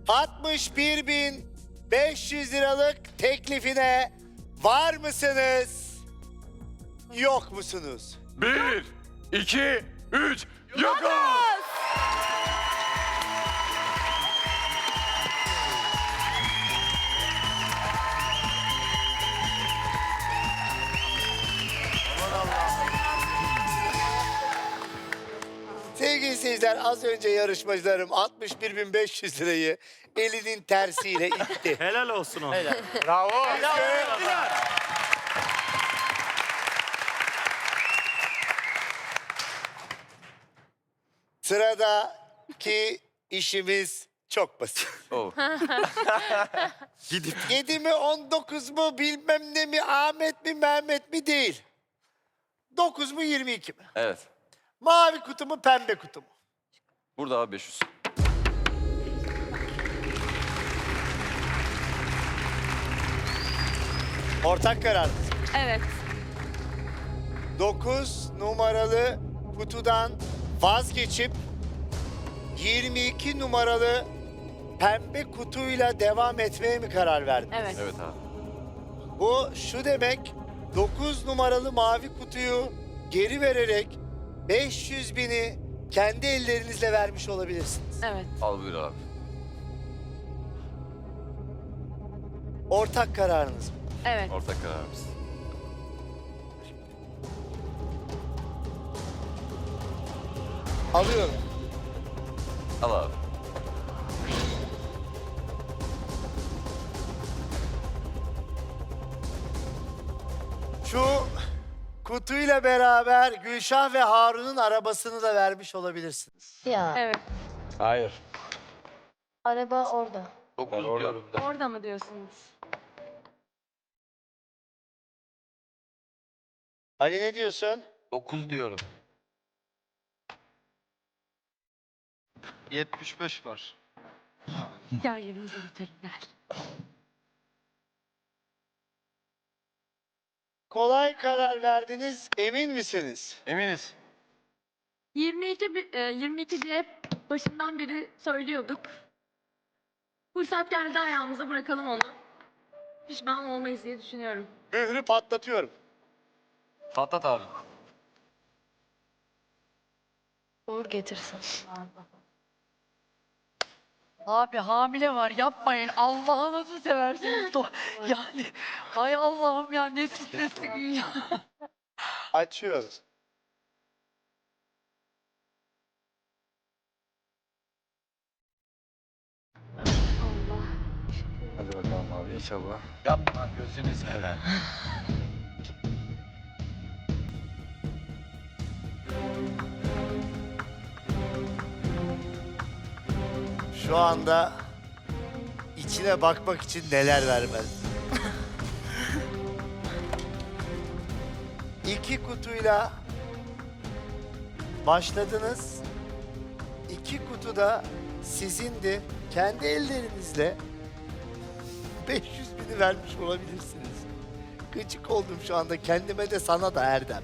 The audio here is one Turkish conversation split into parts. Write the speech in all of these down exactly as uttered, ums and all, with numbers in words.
altmış bir bin beş yüz liralık teklifine var mısınız? Yok musunuz? Bir, iki, üç, yokuz! Sevgili seyirciler, az önce yarışmacılarım altmış bir bin beş yüz lirayı elinin tersiyle itti. Helal olsun ona. Bravo. Sıradaki işimiz çok basit. Oh. Gidip yedi mi on dokuz mu bilmem ne mi Ahmet mi Mehmet mi değil. dokuz mu yirmi iki mi? Evet. Mavi kutu mu pembe kutu mu? Burada abi beş yüz. Ortak karar. Evet. dokuz numaralı kutudan vazgeçip yirmi iki numaralı pembe kutuyla devam etmeye mi karar verdin? Evet. Evet abi. Bu şu demek, dokuz numaralı mavi kutuyu geri vererek beş yüz bini kendi ellerinizle vermiş olabilirsiniz. Evet. Al buyur abi. Ortak kararınız mı? Evet. Ortak kararımız. Alıyorum. Al abi. Şu kutuyla beraber Gülşah ve Harun'un arabasını da vermiş olabilirsiniz. Ya Evet. Hayır. araba orada. dokuz diyorum. Orada mı diyorsunuz? Ali ne diyorsun? dokuz diyorum. yetmiş beş var. Gel yerimize bitelim gel. Kolay karar verdiniz, emin misiniz? Eminiz. yirmi iki, bi- e, yirmi iki diye hep başından beri söylüyorduk. Fırsat geldi ayağımıza bırakalım onu. Pişman olmayız diye düşünüyorum. Mührü patlatıyorum. Patlat abi. Uğur getirsin. Abi hamile var yapmayın. Allah'ınızı seversiniz. Do- yani hay Allah'ım ya ne stresli gün ya. Açıyoruz. Allah. Hadi bakalım abi inşallah. Yapma gözünü seveyim. Şu anda içine bakmak için neler vermez. İki kutuyla başladınız. İki kutu da sizindi. Kendi ellerinizle beş yüz bini vermiş olabilirsiniz. Gıcık oldum şu anda kendime de sana da Erdem.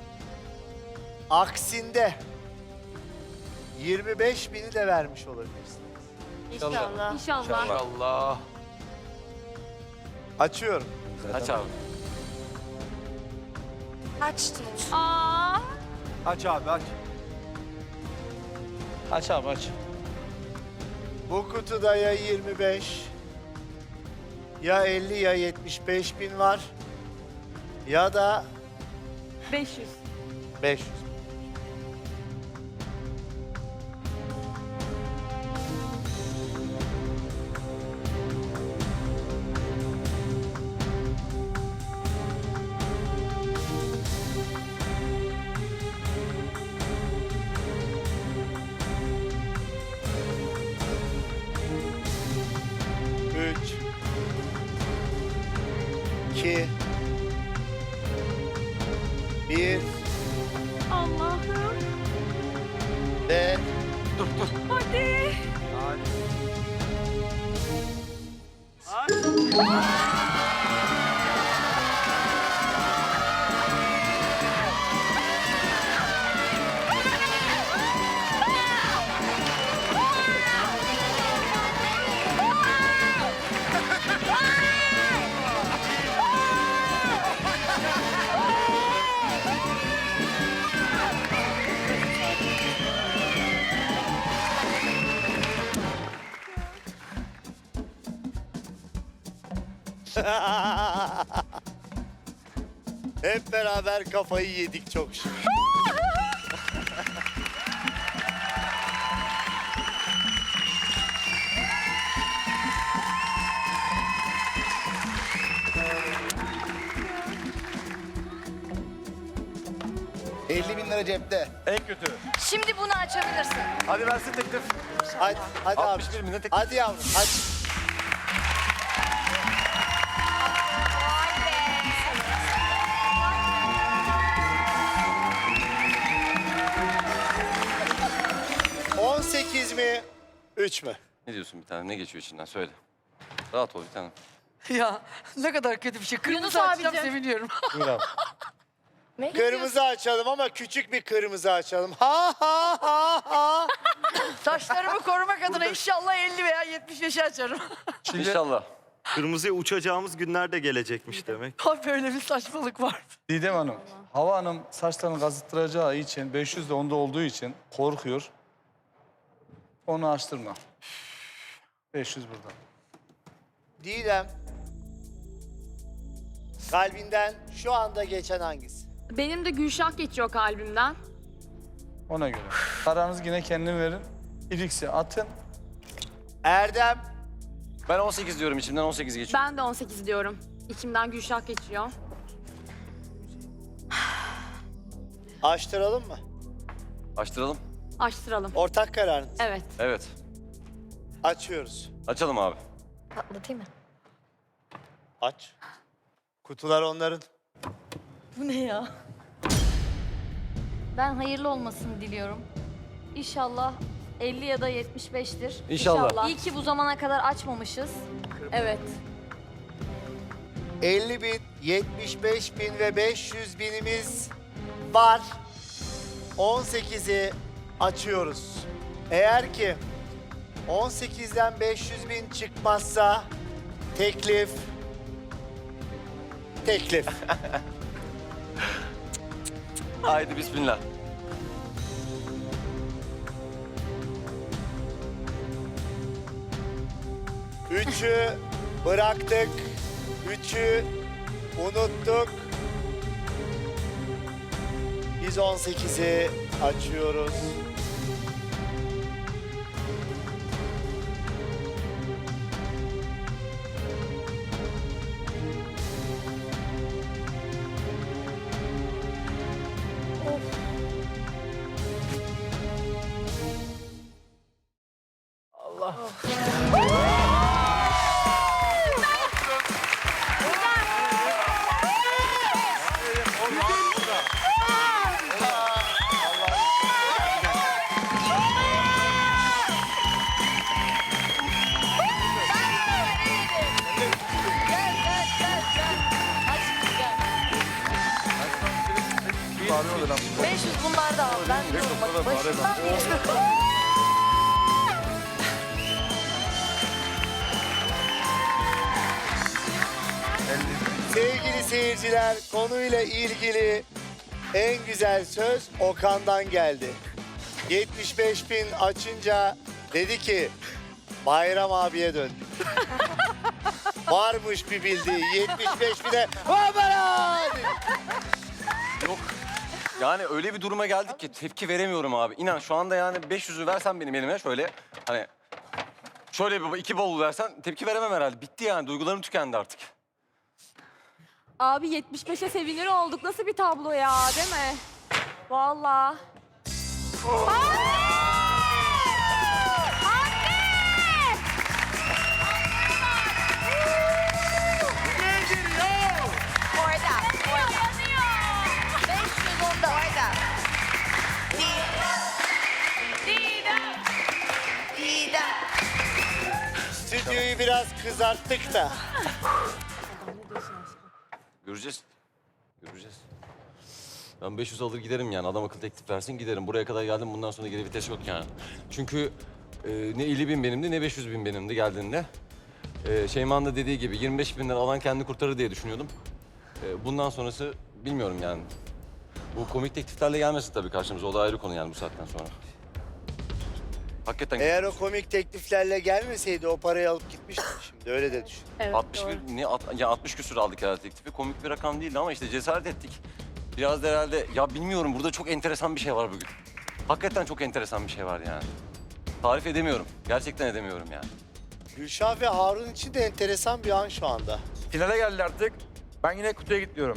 Aksinde yirmi beş bini de vermiş olabilirsiniz. İnşallah. İnşallah. Allah. Açıyorum. Aç abi. Açtım. Aa. aç abi aç. Aç abi aç. Bu kutuda ya yirmi beş, ya elli ya yetmiş beş bin var. Ya da beş yüz. beş yüz. Üç. İki. Bir. Allah'ım. Ve Hadi. Hep beraber kafayı yedik çok şükür. elli bin lira cepte. En kötü. Şimdi bunu açabilirsin. Hadi versin teklif. Hadi, hadi abi. altmış bir bine teklif. Hadi yavrum, hadi. on sekiz mi? üç mü? Ne diyorsun bir tane? Ne geçiyor içinden? Söyle. Rahat ol bir tane. Ya ne kadar kötü bir şey. Kırmızı Yunus açacağım abicim. seviniyorum. Buyur abi. Ne Kırmızı açalım ama küçük bir kırmızı açalım. Ha ha ha ha. Saçlarımı korumak adına inşallah elli veya yetmiş beşi açarım. İnşallah. Kırmızıya uçacağımız günler de gelecekmiş demek. Ha böyle bir saçmalık var. Didem Hanım, Hava Hanım saçlarını kazıttıracağı için, beş yüz de onda olduğu için korkuyor. Onu açtırma. beş yüz burada. Didem. Kalbinden şu anda geçen hangisi? Benim de Gülşah geçiyor kalbimden. Ona göre. Paranızı yine kendin verin. İliksi atın. Erdem. Ben on sekiz diyorum, içimden on sekiz geçiyor. Ben de on sekiz diyorum. İçimden Gülşah geçiyor. Açtıralım mı? Açtıralım. Açtıralım. Ortak kararınız. Evet. Evet. Açıyoruz. Açalım abi. Patlatayım mı? Aç. Kutular onların. Bu ne ya? Ben hayırlı olmasını diliyorum. İnşallah elli ya da yetmiş beştir. İnşallah. İyi ki bu zamana kadar açmamışız. Evet. elli bin, yetmiş beş bin ve beş yüz binimiz var. on sekizi açıyoruz. Eğer ki on sekizden beş yüz bin çıkmazsa teklif teklif. Haydi bismillah. Üçü bıraktık. Üçü unuttuk. Biz on sekizi açıyoruz. beş yüz bunlar da al. Ben diyorum bak başından beri. Sevgili seyirciler, konuyla ilgili en güzel söz Okan'dan geldi. yetmiş beş bin açınca dedi ki Bayram abiye döndü. Varmış bir bildiği yetmiş beş bine Babara! Yok. Yani öyle bir duruma geldik ki tepki veremiyorum abi. İnan şu anda yani beş yüzü versen benim elime şöyle hani şöyle bir iki bavul versen tepki veremem herhalde. Bitti yani, duygularım tükendi artık. Abi yetmiş beşe sevinir olduk. Nasıl bir tablo ya, değil mi? Vallahi. Orada. Orada. beş yüz onda. Orada. Stüdyoyu biraz kızarttık da. Göreceğiz. Göreceğiz. Ben beş yüz alır giderim yani. Adam akıllı teklif versin giderim. Buraya kadar geldim, bundan sonra geri vites yok yani. Çünkü e, ne elli bin benimdi ne beş yüz bin benimdi geldiğinde. E, Şeyma'nın da dediği gibi yirmi beş binden alan kendini kurtarır diye düşünüyordum. E, bundan sonrası bilmiyorum yani. Bu komik tekliflerle gelmesin tabii karşımıza. O da ayrı konu yani bu saatten sonra. Hakikaten Eğer o güzel. komik tekliflerle gelmeseydi o parayı alıp gitmiştim şimdi. Öyle de düşün. Evet, altmış doğru. bir, ne, at- ya altmış küsur aldık herhalde teklifi. Komik bir rakam değildi ama işte cesaret ettik. Biraz da herhalde, ya bilmiyorum, burada çok enteresan bir şey var bugün. Hakikaten çok enteresan bir şey var yani. Tarif edemiyorum. Gerçekten edemiyorum yani. Gülşah ve Harun için de enteresan bir an şu anda. Finale geldi artık. Ben yine kutuya gidiyorum.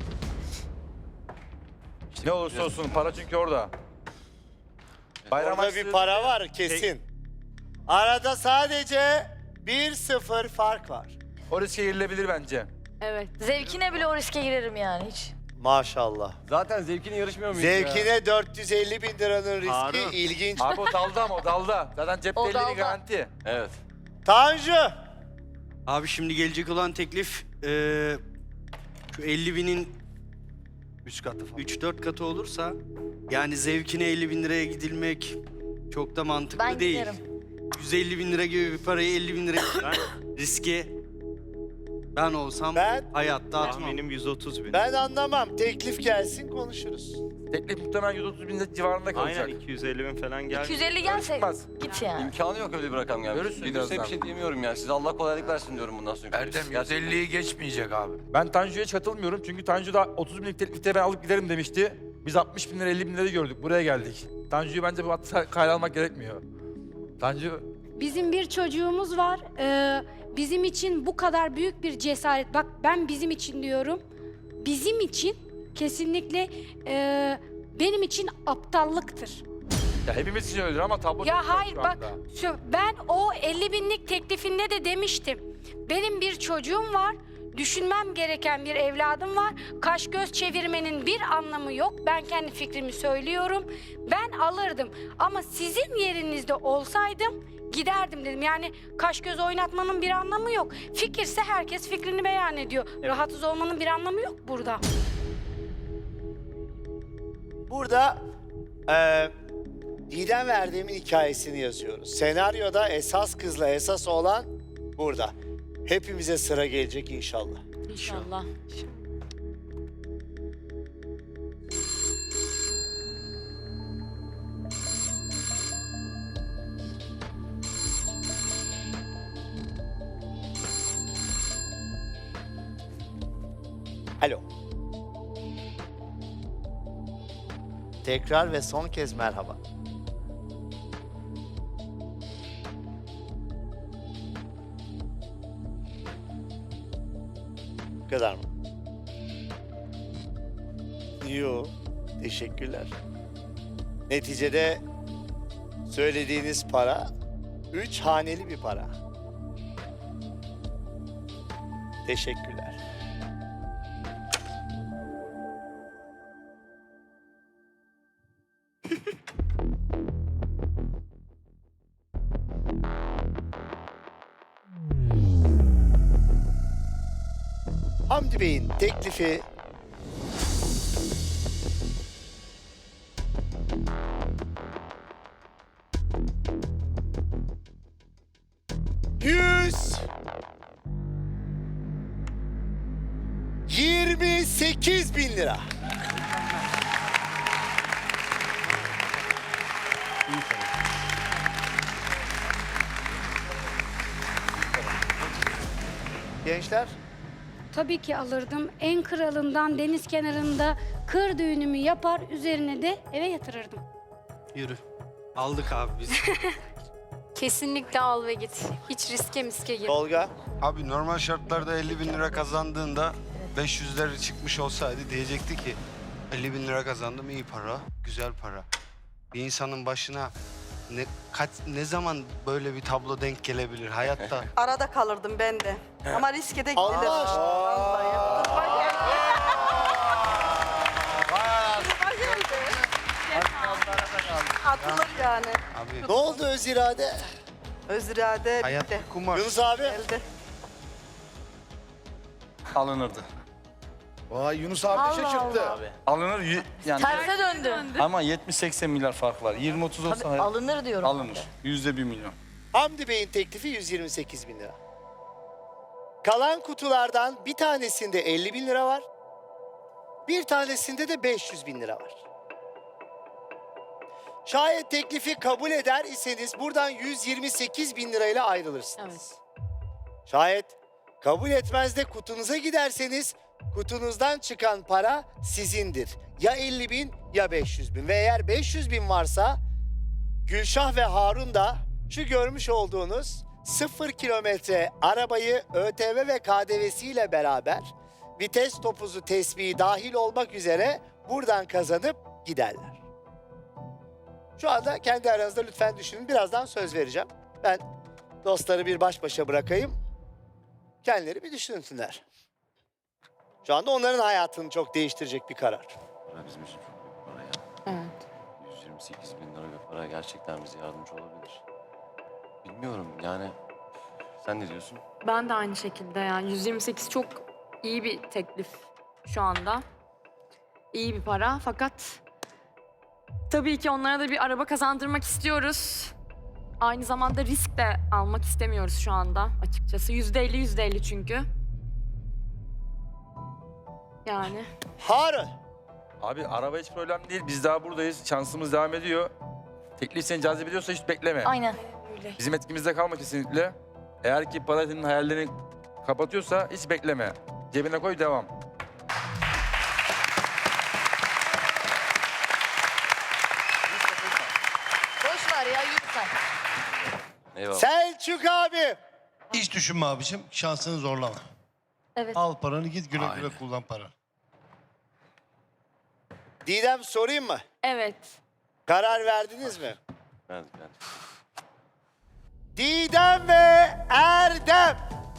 Ne olursa olsun para çünkü orada. Bayram Orada bir açtığı- para var kesin. Arada sadece bir sıfır fark var. O riske girilebilir bence. Evet. Zevkine bile o riske girerim yani hiç. Maşallah. Zaten zevkine yarışmıyor muyuz ya? Zevkine dört yüz elli bin liranın riski Harun. ilginç. Abi o dalda ama o dalda. Zaten cepte O elli dalda. garanti. Evet. Tanju. Abi şimdi gelecek olan teklif eee, şu elli binin Üç katı falan. üç dört katı olursa yani zevkine elli bin liraya gidilmek çok da mantıklı Ben değil. giderim. yüz elli bin lira gibi bir parayı elli bin liraya ben riske ben olsam Ben hayatta atmam. Tahminim yüz otuz bin. ben anlamam. Teklif gelsin konuşuruz. Teklif muhtemelen yüz otuz bin civarında kalacak. Aynen iki yüz elli bin falan geldi. iki yüz elli gelse Çıkmaz. git yani. İmkanı yok öyle bir rakam gelmesi. Görürsün Gelirse bir birazdan. şey diyemiyorum yani. Size Allah kolaylık versin diyorum bundan sonra. Gerçekten. geçmeyecek abi. Ben Tanju'ya hiç katılmıyorum çünkü Tanju da otuz binlik teklifte ben alıp giderim demişti. Biz altmış bin lira elli bin lira gördük. Buraya geldik. Tanju'yu bence bu hatta kayda almak gerekmiyor. Tanju Bizim bir çocuğumuz var. Ee, bizim için bu kadar büyük bir cesaret. Bak ben bizim için diyorum. Bizim için kesinlikle e, benim için aptallıktır. ya hepimiz için öyledir ama tablo çok Ya net hayır şu bak anda. şu, ben o elli binlik teklifinde de demiştim. Benim bir çocuğum var. Düşünmem gereken bir evladım var. Kaş göz çevirmenin bir anlamı yok. Ben kendi fikrimi söylüyorum. Ben alırdım. Ama sizin yerinizde olsaydım giderdim dedim. Yani kaş göz oynatmanın bir anlamı yok. Fikirse herkes fikrini beyan ediyor. Rahatsız olmanın bir anlamı yok burada. Burada eee Didem Erdem'in hikayesini yazıyoruz. Senaryoda esas kızla esas olan burada. Hepimize sıra gelecek inşallah. İnşallah. Alo. Tekrar ve son kez merhaba. Bu kadar mı? Yo, teşekkürler. Neticede söylediğiniz para üç haneli bir para. Teşekkürler. Hamdi Bey'in teklifi yüz yirmi sekiz bin lira. Gençler, Tabii ki alırdım. En kralından deniz kenarında kır düğünümü yapar, üzerine de eve yatırırdım. Yürü. Aldık abi biz. Kesinlikle al ve git. Hiç riske miske gir. Tolga, Abi normal şartlarda elli bin lira kazandığında beş yüzler çıkmış olsaydı diyecekti ki elli bin lira kazandım, iyi para, güzel para. Bir insanın başına ne kaç ne zaman böyle bir tablo denk gelebilir hayatta? Arada kalırdım ben de. Ama riske de Allah gidilir. aşkına. Vallahi. Atılır yani. Abi ne oldu öz irade? Öz irade hayat bitti. bir kumar. Yunus abi, Elde. Alınırdı. Vay Yunus abi Allah şaşırttı. Allah. Alınır y- yani Terse döndü. ama yetmiş seksen milyar fark var. yirmi otuz olsa Tabii hayır, alınır diyorum. alınır. Yüzde bir milyon. Hamdi Bey'in teklifi yüz yirmi sekiz bin lira. Kalan kutulardan bir tanesinde elli bin lira var. Bir tanesinde de beş yüz bin lira var. Şayet teklifi kabul eder iseniz buradan yüz yirmi sekiz bin lirayla ayrılırsınız. Evet. Şayet kabul etmez de kutunuza giderseniz kutunuzdan çıkan para sizindir. Ya elli bin ya beş yüz bin. Ve eğer beş yüz bin varsa Gülşah ve Harun da şu görmüş olduğunuz sıfır kilometre arabayı ÖTV ve K D V'siyle beraber vites topuzu tespihi dahil olmak üzere buradan kazanıp giderler. Şu anda kendi aranızda lütfen düşünün. Birazdan söz vereceğim. Ben dostları bir baş başa bırakayım. Kendileri bir düşünsünler. Şu anda onların hayatını çok değiştirecek bir karar. Para bizim için çok büyük para ya. Evet. yüz yirmi sekiz bin lira bir para gerçekten bize yardımcı olabilir. Bilmiyorum yani. Sen ne diyorsun? Ben de aynı şekilde yani yüz yirmi sekiz çok iyi bir teklif şu anda. İyi bir para fakat tabii ki onlara da bir araba kazandırmak istiyoruz. Aynı zamanda risk de almak istemiyoruz şu anda açıkçası. Yüzde elli yüzde elli çünkü. Yani. Harun. Abi araba hiç problem değil. Biz daha buradayız. Şansımız devam ediyor. Teklif seni cazip ediyorsa hiç bekleme. Aynen. Bizim etkimizde kalma kesinlikle. Eğer ki para senin hayallerini kapatıyorsa hiç bekleme. Cebine koy, devam. Boş ver ya yürü sen. Eyvallah. Selçuk abi. Hiç düşünme abicim. Şansını zorlama. Evet. Al paranı git güle güle Aynen. kullan para. Didem sorayım mı? Evet. Karar verdiniz mi? Ben, ben. Didem ve Erdem.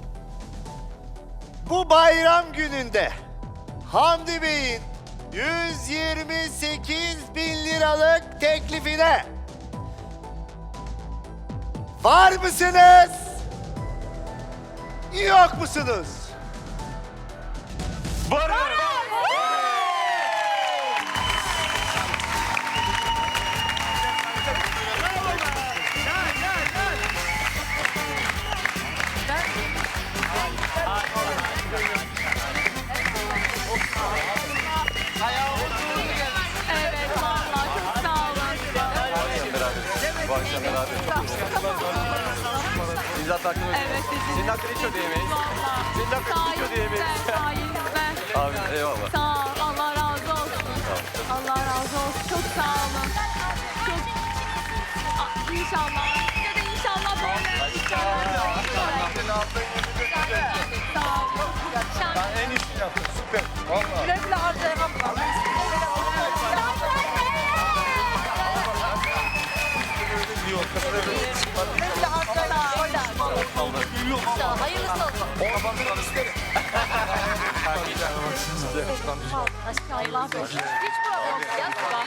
Bu bayram gününde Hamdi Bey'in yüz yirmi sekiz bin liralık teklifine var mısınız? Yok musunuz? Evet vallahi çok sağ olun. Bu akşam beraber. Biz hatta hakkını Evet sizin. Senin hakkını hiç ödeyemeyiz. Vallahi. Senin hakkını hiç ödeyemeyiz. Sayenizde. Abi eyvallah. Sağ ol. Allah razı olsun. Allah razı olsun. Çok sağ olun. Çok... Aa, İnşallah. Ya da inşallah böyle. İnşallah. Sağ olun. Şans- En iyisini yaptın. Süper. Vallahi. Güle güle harcayamam. Yok. Güle güle harcayamam. Hayırlısı olsun. Allah korusun. Hiç problem yok. Ya, sorun yok.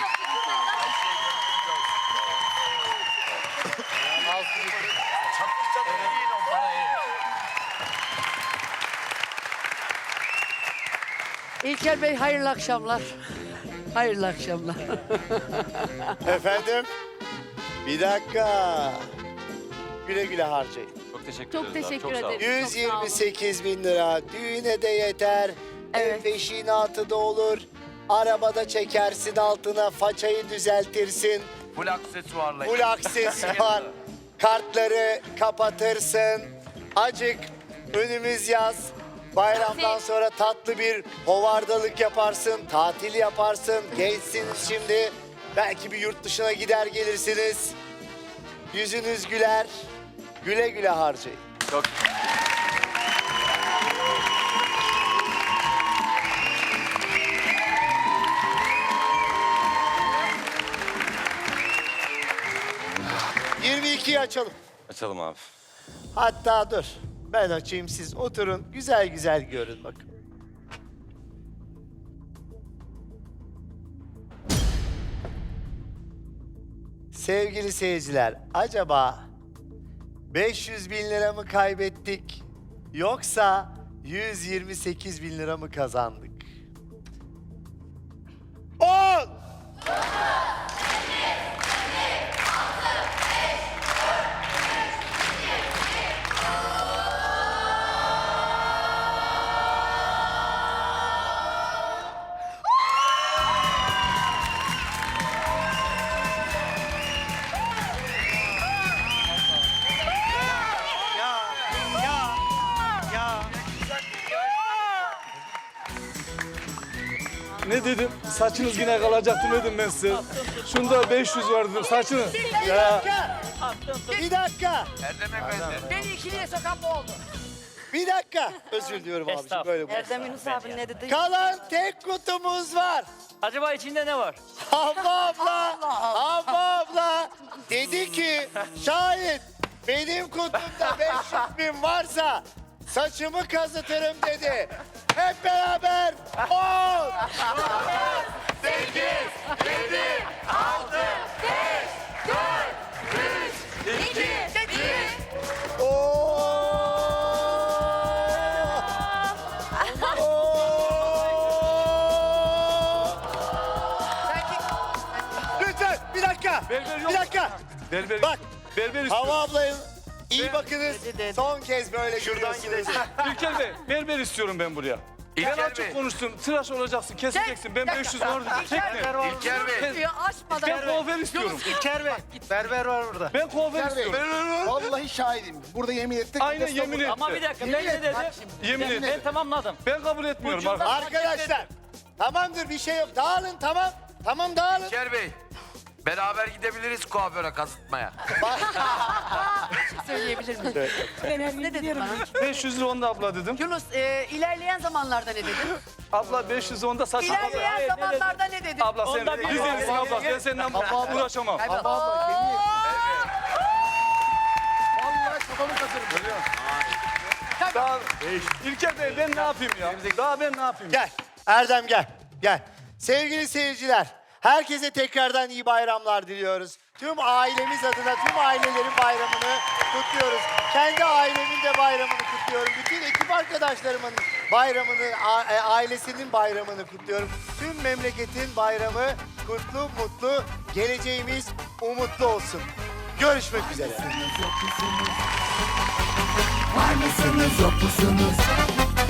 İlker Bey hayırlı akşamlar. Hayırlı akşamlar. Efendim? Bir dakika. Güle güle harcayın. Çok teşekkür Çok ederiz abi. teşekkür Çok sağ olun. ederim. yüz yirmi sekiz bin lira düğüne de yeter. Ev Evet. peşinatı da olur. Arabada çekersin altına, façayı düzeltirsin. Full aksesuarla. Full aksesuar. Kartları kapatırsın. Acık önümüz yaz. Bayramdan sonra tatlı bir hovardalık yaparsın, tatil yaparsın. Gençsiniz şimdi. Belki bir yurt dışına gider gelirsiniz. Yüzünüz güler. Güle güle harcayın. Çok yirmi ikiyi açalım. açalım abi. Hatta dur. Ben açayım, siz oturun. Güzel güzel görün bakın. Sevgili seyirciler, acaba beş yüz bin lira mı kaybettik yoksa yüz yirmi sekiz bin lira mı kazandık? On! Ne dedim? Saçınız yine kalacaktı dedim ben size. Şunda beş yüz var dedim saçını. Ya. Bir dakika. Beni ikiliye sokan bu oldu. Bir dakika. Özür diliyorum abiciğim böyle bu. Erdem Yunus abi ne dedi? Kalan tek kutumuz var. Acaba içinde ne var? Havva abla, Havva abla dedi ki şayet benim kutumda beş yüz bin varsa saçımı kazıtırım dedi. Hep beraber on, sekiz, yedi, altı, beş, dört, üç, iki, bir. Oo! Lütfen bir dakika. Berber yok. Bir dakika. Berber, Bak berber Havva istiyorum. ablayın iyi bakınız. Son kez böyle şuradan gideceğiz. İlker Bey, berber istiyorum ben buraya. Ben açık konuştum. Tıraş olacaksın, keseceksin. Ben beş yüz var dedim. Çekme. İlker Bey. Diyor açmadan. Ben kuaför istiyorum. İlker Bey. Berber var burada. Ben kuaför istiyorum. Vallahi şahidim. Burada yemin ettik. Aynen yemin etti. Ama bir dakika ben ne dedim? Yemin etti. Ben tamamladım. Ben kabul etmiyorum arkadaşlar. Arkadaşlar tamamdır bir şey yok. Dağılın tamam. Tamam dağılın. İlker Bey. Beraber gidebiliriz kuaföre kazıtmaya. Söyleyebilir miyim? Ne dedim bana? beş yüz lira onda abla dedim. Yunus e, ilerleyen zamanlarda ne dedin? Abla beş yüz onda saç. İlerleyen zamanlarda ne dedin? Abla sen Onda bir- biz yeriz abla. Ben seninle uğraşamam. Vallahi kafamı kazırım. Daha, İlker Bey ben ne yapayım ya? Daha ben ne yapayım? Gel Erdem gel. Gel. Sevgili seyirciler, herkese tekrardan iyi bayramlar diliyoruz. Tüm ailemiz adına tüm ailelerin bayramını kutluyoruz. Kendi ailemin de bayramını kutluyorum. Bütün ekip arkadaşlarımın bayramını, a- e, ailesinin bayramını kutluyorum. Tüm memleketin bayramı kutlu, mutlu, geleceğimiz umutlu olsun. Görüşmek üzere. Var mısınız yok musunuz?